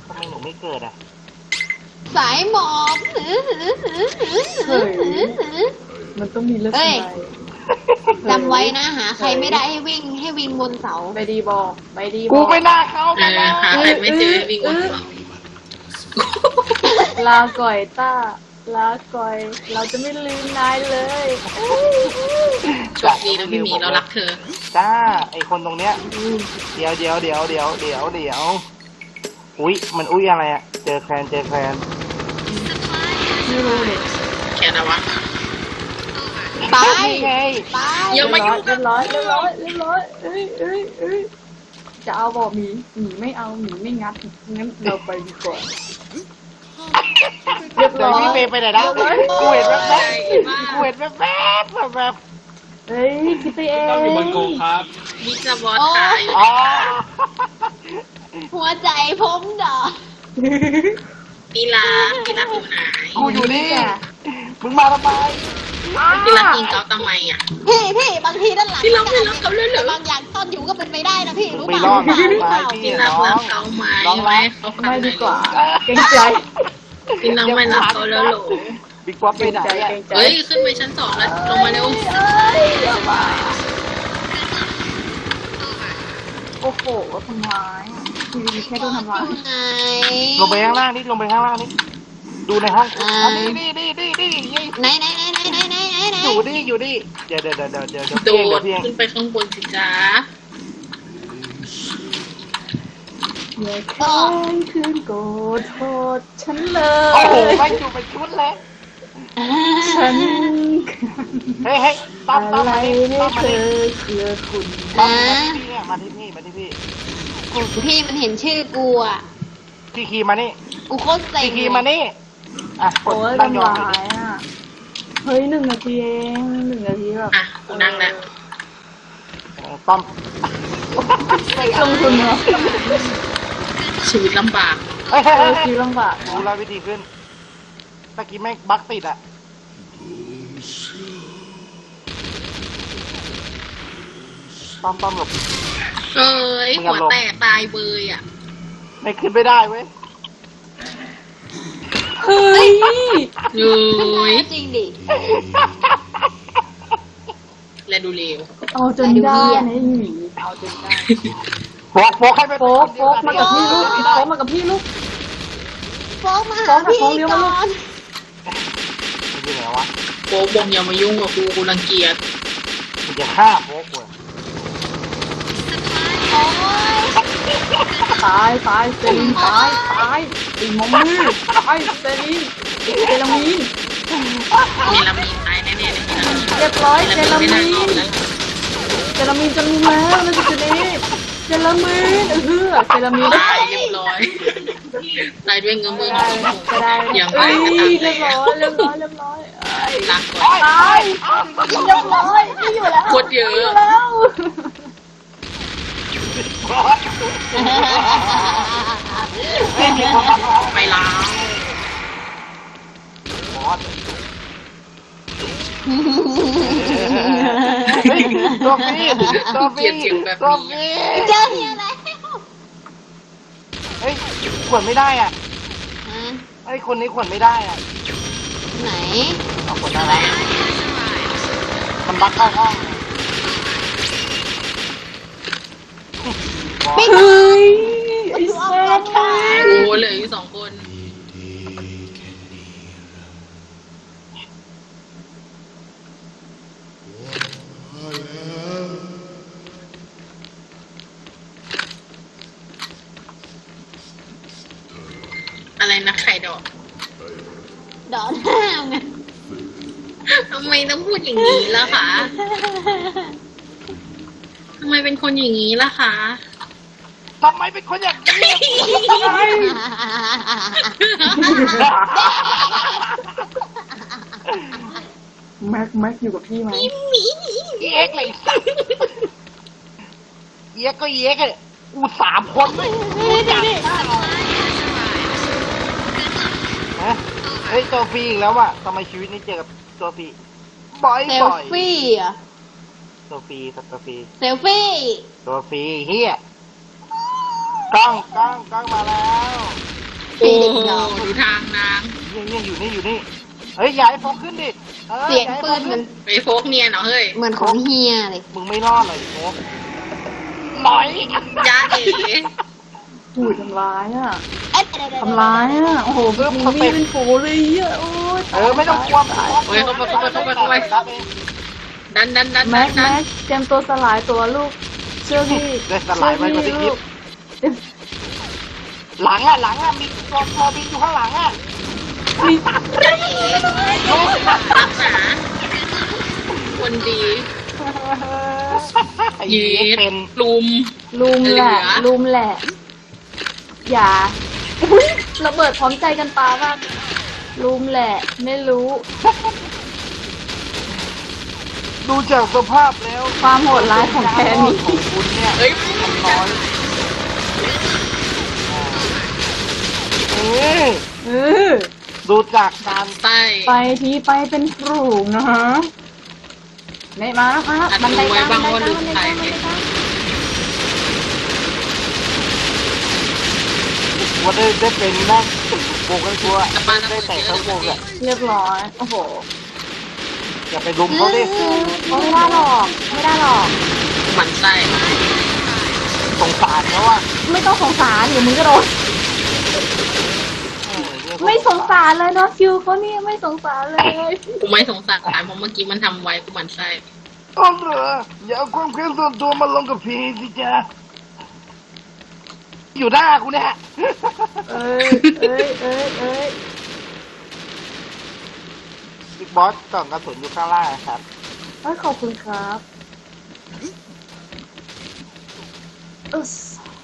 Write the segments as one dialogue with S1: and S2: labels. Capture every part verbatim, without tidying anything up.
S1: ทำไมหนูไม่เกิดอ่ะ
S2: สายหมอบหือหือหือหือหือหือหือ
S3: มันต้องมีเลือดสไลด์
S2: จำไว้นะหาใครไม่ได้ให้วิ่งให้วิ่งบนเสา
S3: ไปดีบอกไปดีบ
S1: กู
S3: อก
S1: ไม่น่าเข้าไป
S4: เออหาใครไม่เจอวิ่งวนเสา
S3: ลาก่อยต้าลาก่อยเราจะไม่ลืมนายเลย
S4: โชคดีนะพี่หมีเรารักเธอ
S1: จ้าไอคนตรงเนี้ยเดี๋ยวเดี๋ยวเดี๋ยวเดี๋ยวเดี๋ยวเดี๋ยวอุ้ยมันอุ้ยอะไรอ่ะเจอแคลนเจอแคลน
S3: ไม่รู้เลย
S4: แค่นะวะ
S2: ไป
S1: ไง
S2: ไป
S4: อย่ามายุ่ง
S3: เรียบร้อยเรียบร้อยเรียบร้อยเอ้ยเอ้ยเอ้ยจะเอาบอกหมีหมีไม่เอาหมีไม่งัดงั้นเราไปดีกว่าเรียบ
S1: เดี๋ย
S3: ร้
S1: ว
S3: อย
S1: พี่เมย์ไปไหนนะกูเห็นแว๊บๆกูเห็นแว๊บๆแบบแบบ
S3: เฮ้ยคิดไปเอง
S5: ต้องอยู่บนโกครับ
S4: มีจะบอสขายอยู่
S1: อ๋อ
S2: หัวใจผมดอก
S4: พี่รักพี่รักอยู่ไหน
S1: กูอยู่นี่มึงมาทำไม
S4: พี่รักยิงเขาทำไมอ่ะ
S2: พี่พี่บางทีด้านหลัง
S4: พี่รักไม่รักเขาเลยเหรอ
S2: บางอย่างซ่อนอยู่ก็เป็นไปได้นะพี่รู้
S1: ไม่
S2: เปล่าร
S1: อด
S2: รู้เปล่า
S1: พี่
S4: พี่รัก
S1: น้อ
S4: รั
S1: ง
S4: กเขาไหม
S1: น้อง
S4: ไหม
S1: รัก
S4: เขา
S3: ไม่ดีกว่าเกรงใจ
S4: พี่น้องไม่รักเขาแล้วหรอ
S1: บิ๊กป๊อปไปไหน
S3: เกรง
S1: อ่ะ
S3: ใจ
S4: เฮ้ยขึ้นไปชั้นสองแล้วลงมาเร็ว
S3: โอ้โหทำร้ายทีวีแค่โดนทำร้าย
S2: ไง
S1: ลงไปข้างล่างนี่ลงไปข้างล่างนี่ดูในห้องอันนี้นี่นี่นี่นี่
S2: ไหนไหนไหนไหนไหนไหนไหนไหน
S1: อยู่นี่อยู่นี่เดี๋ยวเดี๋ยวเดี๋ยวเดี๋ยวเดี๋ยว
S4: โด
S1: เดี๋ยว
S4: ด
S1: เพียง
S4: ขึ้นไปข้างบนสิจ้า
S3: อย่าแค้นคืนโกรธโทษฉันเล
S1: โอ้โห
S3: ย
S1: ไม่อยู่เป็นชุดเลย
S3: ฉัน
S1: เฮ้ยเฮ้ยตั้มตั้ม
S3: อะไร
S1: มาดิ
S3: ให้
S1: ตั้ม
S3: เธ
S1: มา
S3: อ
S1: ดิ
S3: เกลือคุณ
S1: ตั้มมาที่นี่มาที่พี่
S2: โอ้พี่มันเห็นชื่อกูอ่ะ
S1: พี่คีมานี่
S2: กูโคตรเซ็ง
S1: พี่คีมานี่อ่ะก
S3: โอ้
S1: ด
S3: ย
S1: ตั้งย
S3: ทำ
S1: อม
S3: ร้ายอ่ะ เฮ้ยหนึ่งนาทีเองหนึ่งนาทีแบบ
S4: อ่ะกูนั่งแล้ว
S1: ตั้ม
S3: ลงทุนเนาะ
S4: ชีวิตลำบาก
S1: เฮ้ย
S3: เอ
S1: เฮ้ย
S3: อ
S1: เฮ้ย
S3: ชีวิตลำบาก
S1: รู้
S3: นะ
S1: แล้ววิธีขึ้นตะกี้แม่งบั๊กติดอ่ะตั้มตั้มหลบ
S4: เอ้ยหัวแตกตายเบยอ่ะ
S1: ไม่ขึ้นไม่ได้เว้ย
S3: เฮ้ย
S4: เอ้ย
S2: จริงดิ
S4: และดูเร็ว
S3: เอาจนได้นะหมีเอาจนได้
S1: โฟกโฟกให้ไป
S3: โฟกโฟกมากับพี่ลูกโฟกมากับพี่ลูก
S2: โฟกมาหาพี่ก่อน
S1: มันอยู่ไหนวะ
S4: โป๊บงอย่ามายุ่งกับกูกูรังเกียจ
S1: มันจะฆ่าโฟกเว้ย
S2: โอ้ย
S3: ตายตายเซรีนตายตายอีมอมมือตายเซรีนเจลามีน
S4: เนลามีนตายแน่ๆเลยนะ
S3: เรียบร้อยเจลา
S4: ไม่
S3: มี
S4: น่ารอด
S3: น
S4: แล้ว
S3: เจลามีนจะมีแล้วมันจะจุดนี้เจลามีนเออเจลามีน
S4: ตายเรียบร้อยตายด้วยเงื้อมือ
S3: ได้ก็ได้
S4: อย่างไร
S3: เอ้ย
S4: ก็ตาม
S3: เรียบร้อยเรียบร้อยเรียบร้อย
S4: รักก่อน
S3: ตายเรียบร้อยไม่อยู่แล้ว
S4: โคตรเยอะ
S3: ไม่อยู่แล้ว
S4: ไปล้าง
S1: บอสเฮ้ยตัวฟีตัวฟีตัวฟี
S2: เจอเฮียแล้ว
S1: เฮ้ยขวนไม่ได้อ่ะ
S2: ฮะ
S1: ไอ้คนนี้ขวนไม่ได้อ่ะ
S2: ไหน
S1: เอาขวนได้แล้วมันบักเข้าห้อง
S2: ไม่
S3: เฮ้ยไอ้
S2: ดู
S3: แซ่
S2: เอา
S3: บ
S2: ไป
S4: โอ้เหลืออยู่สองคน อะไรนะไข่ดอก
S2: ดอนห้ามไง
S4: ทำไมต้องพูดอย่างนี้ล่ะคะทำไมเป็นคนอย่างนี้ล่ะคะ
S1: ทำไมเป็นคนอย่างนี้
S3: แม็กแม็กอยู่กับพี่ไหม
S1: เอ็กเลยสัตว์เอ็กก็เอ็กเลยอูสามคนเลยจับฮะเฮ้ยตัวฟรีอีกแล้วว่ะทำไมชีวิตนี้เจอกับตัวฟรีบ่อย
S2: เซล
S1: บ่อย
S2: ฟี่อ่ะ
S1: ตัวฟรีตัวฟรี
S2: เซลฟี่
S1: ตัวฟรีเฮียกล้องกล้องกล้องมาแล้ว
S4: โอ้
S2: เด็ก
S4: โห
S2: น้อง
S4: ดูทางนาง
S1: เนี่ยเนี่ยอยู่นี่อยู่นี่เฮ้ยอย่าให้โฟกขึ้นดิออ
S2: เสียง
S1: อาให้
S2: ปื
S1: โฟ
S2: น
S1: ก
S2: มั
S1: ขึ้
S2: น
S4: ไปโฟกเนียนเหรอเฮ้ย
S2: เหมือนของเฮียเลย
S1: มึงไม่รอดเลยโฟกหน่อย
S4: จ้าเอ๋
S3: หูยทำร้ายอ่ะ
S2: เอ๊ะ
S3: ทำร้ายอ่ะ โอ้โหมีมีดเป็นโผเลยอ่ะโอ้ย
S1: เออไม่ต้องกลัว
S4: โอ้ยเข้าไปเข้าไปเข้าไปเข้าไป
S1: รับเอง
S4: ดันดันดันดั
S3: แม็
S4: น
S3: ก
S4: ดั
S3: แม็
S4: น
S3: กเตรียมตัวสลายตัวลูก เชื่อพี่
S1: ได้สลายไปกว่าที่คิด
S3: เชื่อ
S1: หลังอ่ะหลังอ่ะมีตัวตัวบินอยู่ข้างหลังอ่ะ
S3: พี่ลูก
S4: รักษาคนดีเย็
S1: เย็
S4: ด
S1: เป็น
S4: ลุม
S3: ลุมแหละ
S4: เหลือ
S3: ลุมแหละ อย่าอุ้ยระเบิดพร้อมใจกันปามากลุมแหละ ไม่รู้
S1: ดูจากสภาพแล้ว
S3: ความโหดร้ายของแค่นี้
S1: ของคุณเนี่ย
S4: เฮ้ย
S1: มันน้อยเออ
S3: เออ
S1: ดูจากการ
S4: ไส้
S3: ไปทีไปเป็นฝูงนะฮะเนี่ยมาแล้วมาแล้วบันไดกลางบันไดกลางบันไดกลางบันไดกลาง
S1: ว่าได้ได้เป็นนั่งวงกันตัวได้แต่ทั้งวงอ่ะ
S3: เรียบร้อย โอ้โห
S1: อย่าไปลุมเขาดิ
S3: ไม่ได้หรอก ไม่ได้หรอก
S4: หมันไส้
S1: สงสารเขาว่า
S3: ไม่ต้องสงสารเดี๋ยวมึงก็โดน
S1: เออเรียกว่า
S3: ไม่สงสารเลยเนาะคิวเขาเนี่ยไม่สงสารเลย
S4: กูไม่สงสารเพราะเมื่อกี้มันทำไว้กูหมันไส้
S1: อ๋อเหรออย่าเอาความเครียดส่วนตัวมาลงกับพีสิจ๊ะอยู่หน้ากูเนี่ย
S3: เอ้ยเอ้ยเอ้ยเอ้ย
S1: บิ๊กบอสกล่องกระสุนอยู่ข้างล่างครับ
S3: เอ้ยขอบคุณครับอึส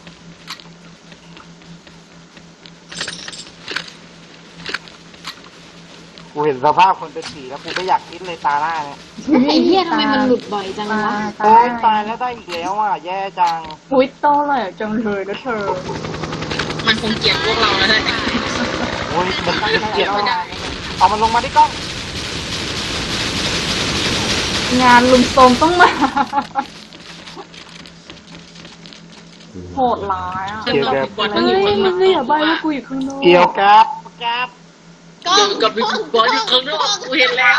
S1: กูเห็นสภาพคนเป็นผีแล้วกูไม่อยากคิดเลยตาหน้าเนี่ย
S2: ไอ้เหี้ยทำไมมันหลุดบ่อยจัง
S3: ตาว
S2: ะ
S3: ตา
S1: โอ้ยตายแล้วได้อีกแล้วอ่ะแย่จัง
S3: อุ้ยโตเลยจังเลยนะเธอ
S4: มันคงเกลียดพวกเราแล้วแหละ
S1: โอ้ยมันเกลียดไม่ได้เอามันลงมาที่กล้อง
S3: งานลุมโทรมต้องมา โหดร้ายอ่ะ
S4: ข้างนอกบอลต้
S3: เฮ้
S4: อง
S3: ย
S4: อยู่ข้างนอก
S3: ไม่อย่าใบว่ากูอยู่ข้างนอก
S1: เกี่ยวกับกับ
S2: ก็
S4: เดี๋ยวกับบิ๊กบอลอยู่ข้างนอกกูเห็นแล้ว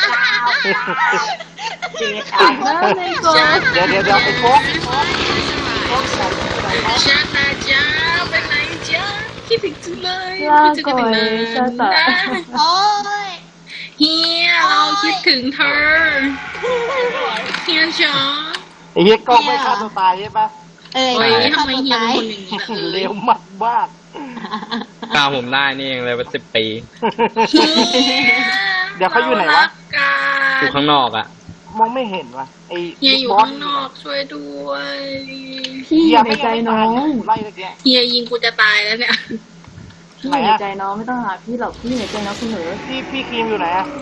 S3: นะในกอง
S1: เดี๋ยวเดี๋ยวเดี๋ยวไอ้โฟกโฟกใส่ใส่ไหม
S4: ชาตาจ้าไปไหนจ้าคิดถึงจังเลย
S3: ลา
S4: คิด
S3: ก่
S4: ถึ
S3: อง ย
S4: เลย
S3: ชาตา
S2: โอ้ย
S4: เฮียเราคิดถึงเธอเฮียจ๋า
S1: ไอ้เหี้ยกล้องไม่ฆ่าตัวตายใช่ปะ
S2: เอ้ย
S4: โอ้ย
S2: ฆ่า
S4: ทำไม
S2: ตัว
S4: เฮีย
S2: ตา
S4: เป็น
S2: ย
S4: คนอย่างนี้ล่ะ
S1: เร็
S4: เอ้
S1: วย มากมาก
S5: กล้าผมได้นี่เองเลยเป็นสิบปี
S4: เฮีย
S1: เดี๋ยวเขาอยู่ไหนวะ
S5: อยู่ข้างนอกอ่ะ
S1: มองไม่เห็นวะไอ้
S4: เฮียอยู่
S1: บอส
S4: ข้างนอกช่วยด้วย
S3: พี่อยู่ในใจน้อง
S1: ไล่ตะเกีย
S4: เฮียยิงกูจะตายแล้วเนี่ย
S3: พี่อยู่ในใจน้องไม่ต้องหาพี่หรอกพี่อยู่ในใจน้องเสมอ
S1: พี่พี่ครีมอยู่ไหนอะ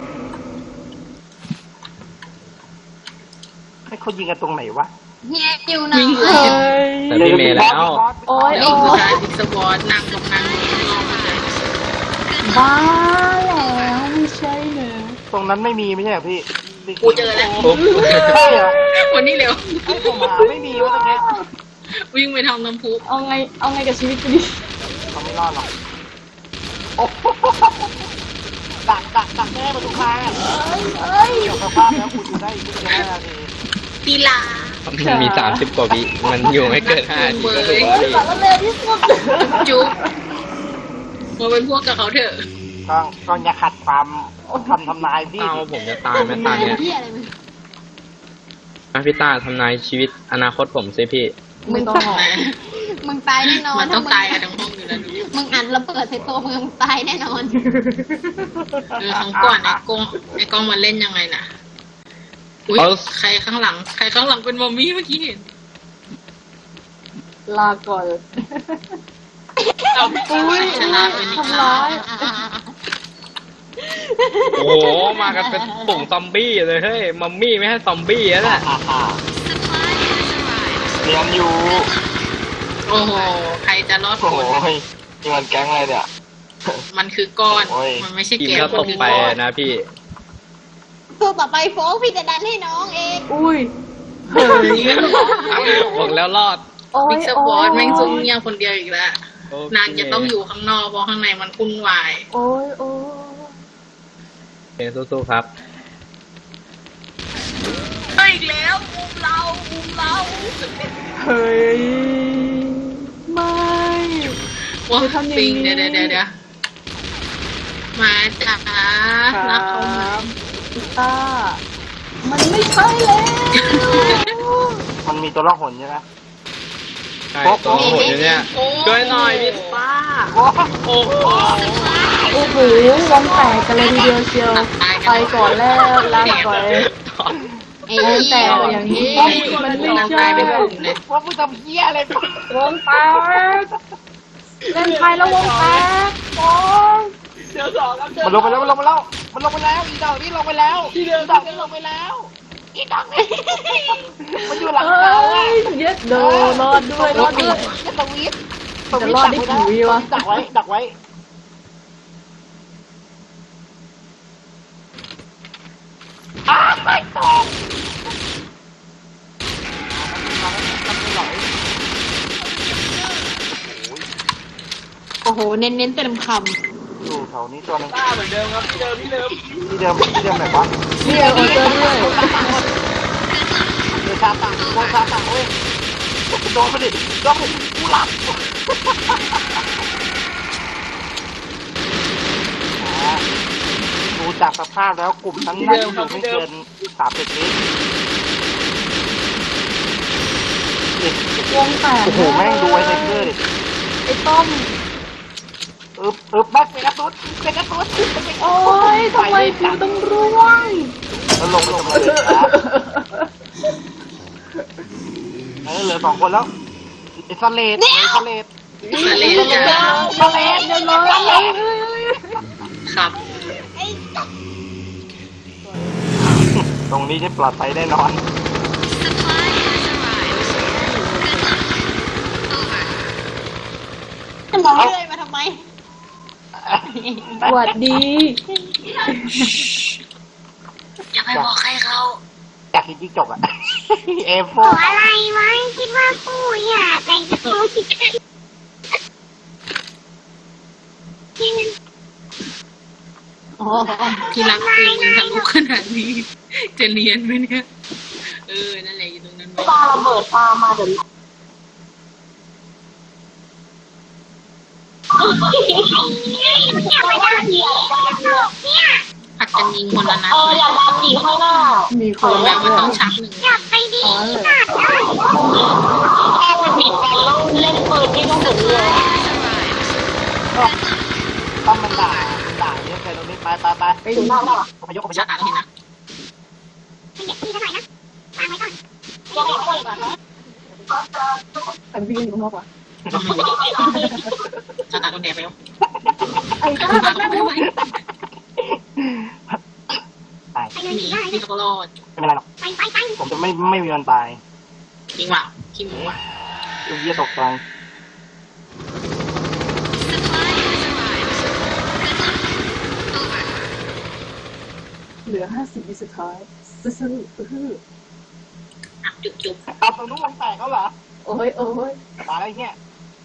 S1: ให้เขายิงกันตรงไหนวะ
S2: เฮียอยู่ไหน
S4: วิ่งเล
S3: เฮ้
S4: ย
S3: ย
S5: แต่พี่เมย์แล้ว
S3: โอ๊ย
S4: ไอ้ผู้ชายบิ๊กสวอตนั่งกับนางนอกมาเลย
S3: บ้าแล้วไม่ใช่เนอะ
S1: ตรงนั้นไม่มีไม่ใช่เหรอพี่
S4: กูเจอแล้ว
S5: ปุ๊บ
S1: ใช่เหรอ
S4: วันนี้เร็ว
S1: ไอ้ผมหาไม่มีวะตรงนี้
S4: วิ่งไปทำน้ำพุ
S3: เอาไงเอาไงกับชีวิตกูดิ
S1: เขาไม่รอดหรอกโอ้โหดักดักดักแน่ประตูคางอะ
S3: เอ้ย
S1: เกี่ยวกับภาพแล้วคุณอยู่ได้อีกไม่กี่นาที
S4: ตีลา
S5: มันมีสามสิบกว่าวิมันอยู่ไม่เกินห้านาทีก็ถูกแล้วพี่
S3: สารเลวที่สุด
S4: จุ๊บมาเป็นพวกกับเขาเถอะ
S1: ก็ก็อย่าขัดความคำทำนายพี่
S5: เต้าผมจะตายไหมตอนเนี้ย
S2: เฮียอะไรมึง
S5: อ่ะพี่ต้าทำนายชีวิตอนาคตผมสิพี่
S3: ไม่ต้องหรอก
S2: มึงตายแน่นอน
S4: มันต้อง
S2: ถ้
S4: ตายกันทั้งห้องอยู่แล้วดู
S2: มึงอัดระเบิดใส่ตัวมึงตายแน่นอน
S4: เออของก่อนไอ้กล้องไอ้กล้องมันเล่นยังไงน่ะอุ้ย
S5: เอา
S4: ใครข้างหลัง ใครข้างหลังเป็นมัมมี่เมื่อกี้เห็น
S3: ลาก่อน
S4: เอาชนะเป็นนิ
S3: ทำร้าย
S5: โอ้โหมากันเป็นปุ่งซอมบี้เลยเฮ้ยมัมมี่ไม่ให้ซอมบี้แล้วแหละ
S1: อ่าอ่าเรียนอยู่
S4: โอ้โหใครจะรอด
S1: โอ้
S4: ค
S1: โห
S4: น
S1: นี่มันแก๊งอะไรเนี่ย
S4: มันคือก้อน
S1: โอ้ย
S4: มันไม่ใช่
S5: ทีม
S4: แก้ว
S5: ก็
S4: มั
S5: ต
S4: น
S5: ก
S4: คือ
S5: ไป
S4: ก้อน
S5: นะพี่
S2: ตัวต่อไปโฟกพี่จะดันให้น้องเอง
S3: อุ้ย
S5: บอกแล้วรอด
S3: โอ้
S4: บิ๊
S3: ย
S4: กส
S3: โอ้
S4: ปอร์
S3: ย
S4: ตแม่งซุ่มเงียบคนเดียวอีกแล้ว
S5: โอเคน
S4: างจะต้องอยู่ข้างนอกเพราะข้างในมันวุ่นวาย
S3: โอ้ยโอ้ย
S5: โอเคสู้ๆครับ
S4: เฮ้ยอีกแล้วอุ้มเราอุ้มเรา
S3: เฮ้ยไม่
S4: ว้า
S3: คือทำอย่างนี้
S4: ปิงเดี๋ยวเดี๋ยวเดี๋ยวเดี๋ยวมาจ้า
S3: ค
S4: รั
S3: รั
S4: กเขามา
S3: บพิต้ามันไม่ใช่แล้ว
S1: มันมีตัวล่องหนใช่ไหม
S5: ใช่ตัวโหดอยู่เนี่ยช่วยหน่อยพี่ป้า
S1: โอ้
S5: โอ้โห
S3: โอ้โหวงแตกกันเลยทีเดียวเชียวไปก่อนแล้วลาก่อน
S2: ไอ้
S3: วงแต
S2: เหี้ย
S3: กอย่างนี้มันไม่
S4: นาง
S3: ใช่
S4: ตายเป็นกลุ่มเลย
S1: ว่ามึงทำเหี้ยอะไรไป
S3: วงแตกเล่นไทยแล้ววงแตกวง
S1: มันลงไปแล้วมันลงไปแล้วมันลงไปแล้วอีดอกนี่ลงไปแล้วอีดอกนี่ลงไปแล้วอีดอกนี่มันอยู่หลัง
S3: เอ้
S1: เราอะ
S3: ยเย็ดโดรอดด้วยรอดด้วย
S1: จะสวิตช์
S3: จะรอดได้กี่วิวะ
S1: ดักไว้ดักไว้อ้าวไม่ตก
S2: โอ้โห เน้นๆเต็มค
S1: อยู่แถวนี้ตัวนึง
S5: ป้าเหมือนเดิมครับที่เดิมที่เดิม
S1: ที่เดิมที่เดิมไหนวะ
S3: นี่เออเจอด้วย
S1: เดือชาตังโดนชาตังเว้ยโดนมาดิโดนมาดิกูหลับอ่าดูจากสภาพแล้วกลุ่มนั้นน่าจะอยู่ไม่เกินสามสิบวิ
S3: วงแตก
S1: โอ้โหแม่งดูไอ้เทเกอร์ดิ
S3: ไอ้ต้อม
S1: อึบอึบแม่งเป็นกระตุ้นเป็นกระตุ้นเป็นกระตุ้น
S3: โอ้ยทำไมฟิวต้องร่วง
S1: แล้วลงลงมาเลยครับเออเหลือสองคนแล้วไอ้สเลดไอ้สเลด
S4: สาเลนจ้า
S1: สเลดเดี๋ยวเลย
S4: ครับ
S1: ตรงนี้ได้ปลอดภัยแน่นอน
S2: ำจะมองเรื่อยมาทำไม
S3: สวัสดี
S4: อย่าไปบอกใครเขา
S1: อยากกินจิ้งจกอ่ะ เอฟโฟ
S6: อะไรวะคิดว่ากูอยากแต่งตัวผิดกัน
S2: อ๋อ
S4: ที่รักกูมึงทะลุขนาดนี้ จะเรียนไหมเนี่ย เออ นั่นแหละอยู่ตรงนั้นไหม
S6: ปาระเบิดปามาเดี๋ยวอยากไปทำดีเนี่ย
S4: ผัดกันยิงคนละนัด
S6: เออ
S4: เลย
S6: อยากทำดีข้างหน้า
S3: มีค
S4: ขอน แบ
S3: แบบ บ
S4: ว่าต้องชักหนึ่ง
S6: อยากไปดีที่ไหนแค่มันผิดกันแล้วเล่นปืนที่ต้องถึงเลย
S1: ก็ต้องมันด่าด่าเยอะเกินตรงนี้ไปไปไป
S3: ไปดู
S6: นอกแล้ว
S1: อพยพอพย
S4: ชั
S1: พ
S4: กอ่ะเห็นนะ
S6: ไม่อยากที่เท่าไหร่นะตามไว้ก่อนยังไม่คนก่อนนะ
S3: แต่พี่กันอยู่ข้างนอกวะ
S4: ชักอ่ะโดนแดดไปแล้ว
S3: ไอ้ต้า
S4: ชักอ่ะไม่ไหว
S1: ตาย
S6: ไปเลย
S4: หนี
S6: ได้
S4: พี่ก็รอด
S1: ไม่เป็นไรหรอก
S6: ไปไปไป
S1: ผมจะไม่ไม่มีวันตาย
S4: จริงว่ะคิมว่ะ
S1: ลูกเยี่ยตกใจ
S3: เหลือห้าสิบวิสุดท้ายซื่อซื่อซื่อ
S4: อ่ะจุบจุบ
S1: เอาตรงนู้นวงแตกเขาเหรอ
S3: โอ้ยโอ้ย
S1: ตายแล้วไอ้เนี่ย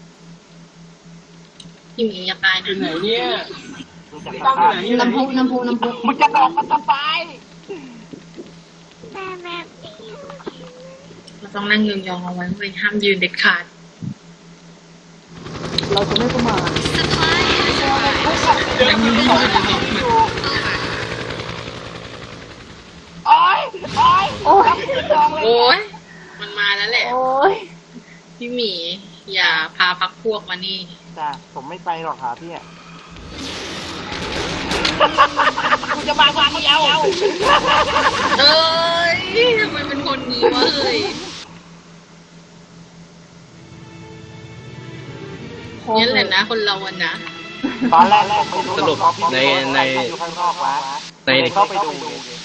S4: คิมเองจะตายนะ
S5: ไหนเนี่ย
S1: ดูจากสภาพ
S2: น้ำพุน้ำพุน้ำพุ
S1: มึงจะบอกมันจะตาย
S6: แต่แบบนี้
S4: เราต้องนั่งยองๆเอาไว้ไม่ห้ามยืนเด็ดขาด
S3: เราจะไม่ประมาท
S4: นั่งยืนยอง
S1: โอ้ยโอ้ย
S3: โอ้ย
S1: จองเลย
S4: โอ้ยมันมาแล้วแหละ
S3: โอ้ย
S4: พี่หมี อย่าพาพักพวกมานี่
S1: จ้าผมไม่ไปหรอกหาพี่อ่ะกูจะมาวางเดียว
S4: เอ้ยทำไมเป็นคนนี้วะเอ้ยนี่แหละนะคนเราอะนะ
S1: ตอนแรกแรกไม่รู้
S5: สรุปในใน
S1: อยู่ข้างนอกวะ
S5: ใน
S1: เข้าไปดู